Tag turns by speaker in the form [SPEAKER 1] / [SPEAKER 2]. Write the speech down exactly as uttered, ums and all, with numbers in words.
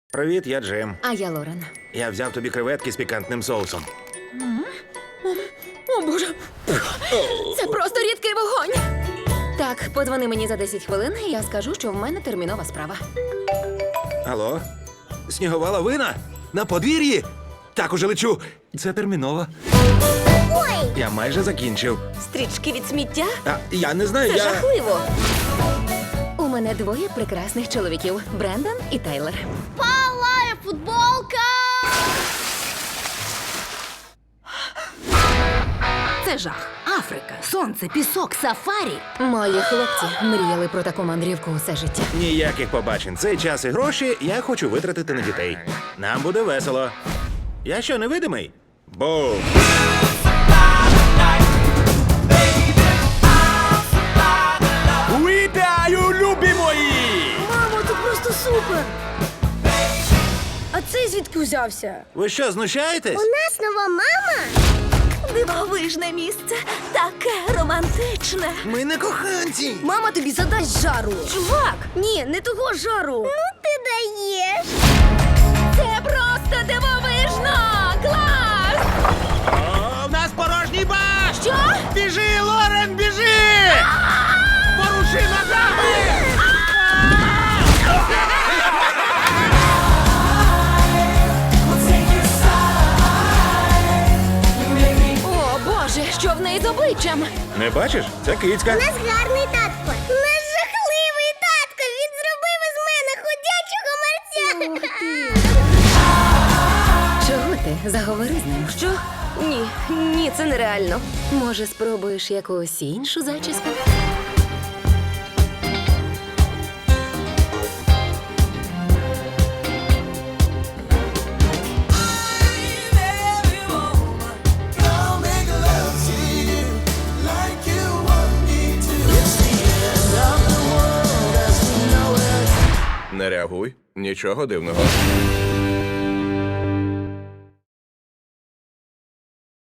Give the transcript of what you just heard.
[SPEAKER 1] Привіт, я Джим.
[SPEAKER 2] А я Лорен.
[SPEAKER 1] Я взяв тобі креветки з пікантним соусом.
[SPEAKER 2] О, Боже! Це просто рідкий вогонь! Так, подзвони мені за десять хвилин, і я скажу, що в мене термінова справа.
[SPEAKER 1] Алло? Снігова лавина? На подвір'ї? Так, уже лечу. Це терміново.
[SPEAKER 3] Ой!
[SPEAKER 1] Я майже закінчив.
[SPEAKER 2] Стрічки від сміття?
[SPEAKER 1] А, я не знаю,
[SPEAKER 2] Це
[SPEAKER 1] я...
[SPEAKER 2] жахливо! У мене двоє прекрасних чоловіків – Брендон і Тайлер.
[SPEAKER 3] Палає футболка!
[SPEAKER 4] Це жах. Африка, сонце, пісок, сафарі.
[SPEAKER 2] Мої хлопці мріяли про таку мандрівку усе життя.
[SPEAKER 1] Ніяких побачень. Цей час і гроші я хочу витратити на дітей. Нам буде весело. Я що, невидимий? Бум! Вітаю, любі мої!
[SPEAKER 3] Мамо, це просто супер! А цей звідки взявся?
[SPEAKER 1] Ви що, знущаєтесь?
[SPEAKER 3] У нас нова мама?
[SPEAKER 4] Дивовижне місце, таке романтичне.
[SPEAKER 1] Ми не коханці.
[SPEAKER 3] Мама тобі задасть жару.
[SPEAKER 4] Чувак,
[SPEAKER 3] Ні, не того жару. Ну ти даєш.
[SPEAKER 4] це просто дивовижно! Клас!
[SPEAKER 1] О, в нас порожній бак!
[SPEAKER 4] Що?
[SPEAKER 1] Біжи, Лорен, біжи! Поруши ногами!
[SPEAKER 2] О, Боже, що в неї з обличчям?
[SPEAKER 1] Не бачиш? Це кицька.
[SPEAKER 3] У нас гарний татко. У нас жахливий татко. Він зробив із мене ходячого мерця.
[SPEAKER 2] Чого ти? Заговори з ним.
[SPEAKER 4] Що? Ні, ні, це нереально.
[SPEAKER 2] Може, спробуєш якусь іншу зачіску?
[SPEAKER 1] Не реагуй, нічого дивного.